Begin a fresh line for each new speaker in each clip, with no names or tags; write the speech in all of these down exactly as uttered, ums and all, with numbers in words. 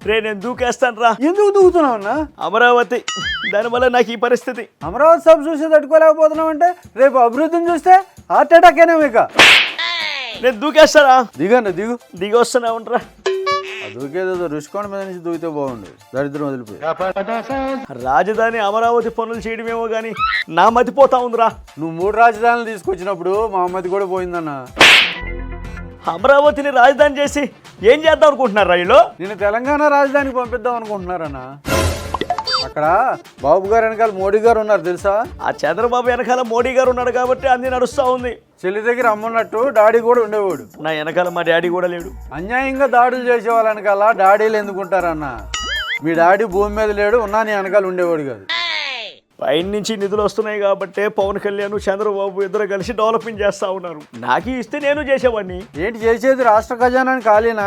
రే నేను దూకేస్తాను రా.
ఎందుకు దూకుతున్నావు అన్న?
అమరావతి దానివల్ల నాకు ఈ పరిస్థితి.
అమరావతి సభ చూసి తట్టుకోలేకపోతున్నావు అంటే రేపు అభివృద్ధిని చూస్తే హార్ట్ అటాక్ అయినా ఇక.
నేను దూకేస్తారా?
దిగన్న దిగు.
దిగి వస్తున్నా ఉంటారా.
దూకేదో రుషికోణ మీద నుంచి దూకితే బాగుండేది. దరిద్రం వదిలిపోయి.
రాజధాని అమరావతి పనులు చేయడమేమో గానీ నా మతిపోతా ఉందిరా.
నువ్వు మూడు రాజధానులు తీసుకొచ్చినప్పుడు మా మతి కూడా పోయిందన్న.
అమరావతిని రాజధాని చేసి ఏం చేద్దాం అనుకుంటున్నారు రైలు?
నేను తెలంగాణ రాజధానికి పంపిద్దాం అనుకుంటున్నారన్న. అక్కడ బాబు గారు వెనకాల మోడీ గారు ఉన్నారు తెలుసా?
ఆ చంద్రబాబు వెనకాల మోడీ గారు ఉన్నాడు కాబట్టి అన్ని నడుస్తూ ఉంది.
చెల్లి దగ్గర అమ్మన్నట్టు డాడీ కూడా ఉండేవాడు.
నా వెనకాల మా డాడీ కూడా లేడు.
అన్యాయంగా దాడులు చేసే వాళ్ళ వెనకాల డాడీలు ఎందుకుంటారన్న? మీ డాడీ భూమి మీద లేడు, ఉన్నా నీ వెనకాల ఉండేవాడు కాదు.
పైన నుంచి నిధులు వస్తున్నాయి కాబట్టి పవన్ కళ్యాణ్ చంద్రబాబు ఇద్దరు కలిసి డెవలప్మెంట్ చేస్తా ఉన్నారు. నాకు ఇస్తే నేను చేసేవాడిని.
ఏంటి చేసేది? రాష్ట్ర ఖజానాని ఖాళీనా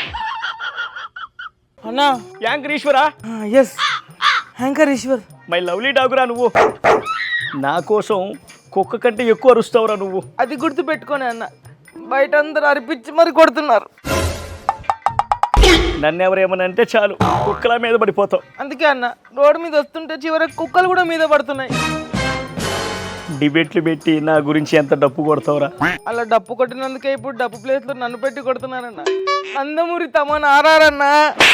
అన్నా?
యాంకర్ ఈశ్వరా?
Yes, anchor Eshwar.
My lovely డాగురా నువ్వు. నా కోసం కుక్క కంటే ఎక్కువ అరుస్తావురా నువ్వు.
అది గుర్తు పెట్టుకోనే అన్న, బయట అందరూ అరిపించి మరి కొడుతున్నారు.
నన్ను ఎవరేమని అంటే చాలు కుక్కల మీద పడిపోతావు.
అందుకే అన్న రోడ్డు మీద వస్తుంటే చివరికి కుక్కలు కూడా మీద పడుతున్నాయి.
డిబేట్లు పెట్టి నా గురించి ఎంత డప్పు కొడతావురా?
అలా డప్పు కొట్టినందుకే ఇప్పుడు డప్పు ప్లేస్ లో నన్ను పెట్టి కొడుతున్నానన్న. నందమూరి తమన్ ఆర్ఆర్.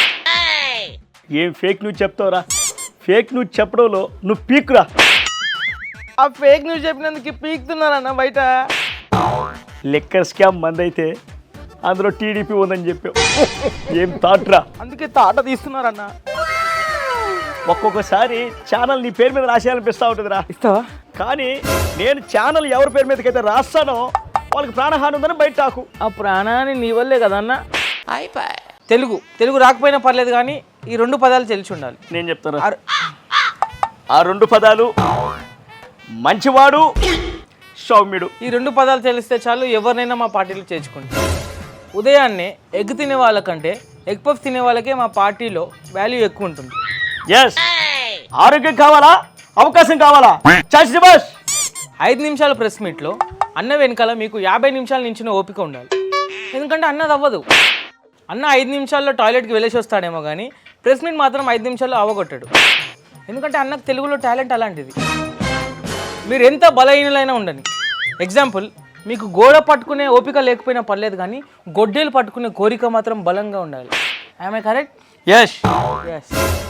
ఏం ఫేక్ న్యూస్ చెప్తావురా? ఫేక్ న్యూస్ చెప్పడంలో నువ్వు పీకురా.
ఆ ఫేక్ న్యూస్ చెప్పినందుకు పీకుతున్నారన్న బయట.
లెక్కర్ స్కామ్ మందైతే అందులో టీడీపీ ఉందని చెప్పావు. ఏం తాట్రా?
అందుకే తాట తీస్తున్నారన్న.
ఒక్కొక్కసారి ఛానల్ నీ పేరు మీద రాసేయాలనిపిస్తూ ఉంటుందిరా.
ఇస్తావా?
కానీ నేను ఛానల్ ఎవరి పేరు మీదకైతే రాస్తానో వాళ్ళకి ప్రాణహాని ఉందని బయట టాకు.
ఆ ప్రాణాన్ని నీ వల్లే కదన్న. తెలుగు తెలుగు రాకపోయినా పర్లేదు కానీ ఈ రెండు పదాలు తెలిసి ఉండాలి.
నేను చెప్తాను ఆ రెండు పదాలు: మంచివాడు, సౌమ్యుడు.
ఈ రెండు పదాలు తెలిస్తే చాలు ఎవరినైనా మా పార్టీలో చేర్చుకుంటాం. ఉదయాన్నే ఎగ్ తినే వాళ్ళకంటే ఎగ్ పఫ్ తినే వాళ్ళకే మా పార్టీలో వాల్యూ ఎక్కువ ఉంటుంది.
ఎస్, ఆరోగ్యం కావాలా, అవకాశం కావాలా, చాచి బస్.
ఐదు నిమిషాల ప్రెస్ మీట్లో అన్న వెనకాల మీకు యాభై నిమిషాల నించిన ఓపిక ఉండాలి. ఎందుకంటే అన్నది అవ్వదు. అన్న ఐదు నిమిషాల్లో టాయిలెట్కి వెళ్ళేసి వస్తాడేమో కానీ ప్రెస్ మీట్ మాత్రం ఐదు నిమిషాల్లో అవ్వగొట్టాడు. ఎందుకంటే అన్నకు తెలుగులో టాలెంట్ అలాంటిది. మీరు ఎంత బలహీనలైనా ఉండని. ఎగ్జాంపుల్, మీకు గోడ పట్టుకునే ఓపిక లేకపోయినా పర్లేదు కానీ గొడ్డేలు పట్టుకునే కోరిక మాత్రం బలంగా ఉండాలి. I correct?
Yes
yes.